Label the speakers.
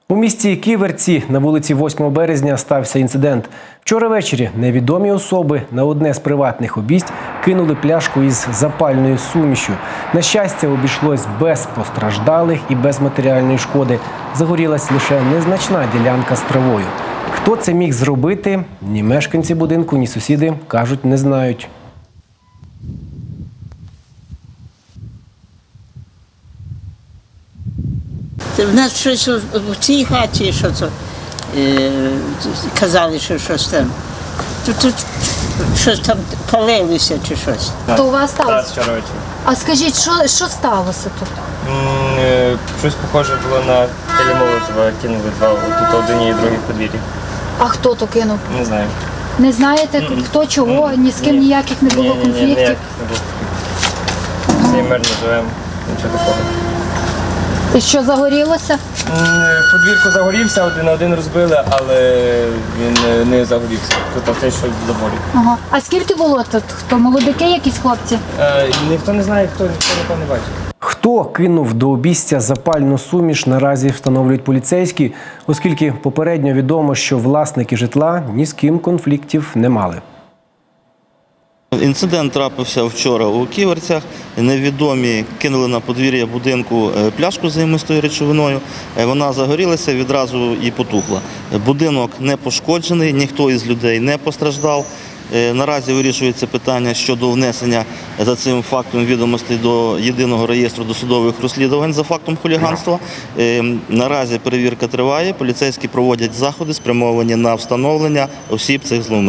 Speaker 1: У місті Ківерці на вулиці 8 березня стався інцидент. Вчора ввечері невідомі особи на одне з приватних обійсть кинули пляшку із запальною сумішю. На щастя, обійшлось без постраждалих і без матеріальної шкоди. Загорілась лише незначна ділянка з травою. Хто це міг зробити, ні мешканці будинку, ні сусіди, кажуть, не знають.
Speaker 2: В нас щось в цій хаті, що це, казали, що щось там. Тут щось там палилося чи щось.
Speaker 3: То у вас сталося?
Speaker 4: Так, вчора ввечері.
Speaker 3: А скажіть, що сталося тут?
Speaker 4: Щось похоже було на Келі Молотова, кинули два, тут один і другий в подвір'ї.
Speaker 3: А хто то кинув?
Speaker 4: Не знаю.
Speaker 3: Не знаєте, хто чого? Ні з ким ніяких не було
Speaker 4: Ні,
Speaker 3: конфліктів?
Speaker 4: ніяких не було. Всі мирно живемо, нічого такого.
Speaker 3: І що, загорілося?
Speaker 4: В подвір'ку загорівся, один на один розбили, але він не загорівся. Тут те, що в заборі.
Speaker 3: Ага. А скільки було тут? Хто, молодики якісь хлопці?
Speaker 4: Ніхто не знає, ніхто не бачить.
Speaker 1: Хто кинув до обійстя запальну суміш, наразі встановлюють поліцейські, оскільки попередньо відомо, що власники житла ні з ким конфліктів не мали.
Speaker 5: Інцидент трапився вчора у Ківерцях. Невідомі кинули на подвір'я будинку пляшку з займистою речовиною. Вона загорілася, відразу і потухла. Будинок не пошкоджений, ніхто із людей не постраждав. Наразі вирішується питання щодо внесення за цим фактом відомостей до єдиного реєстру досудових розслідувань за фактом хуліганства. Наразі перевірка триває, поліцейські проводять заходи, спрямовані на встановлення осіб цих зловмисників.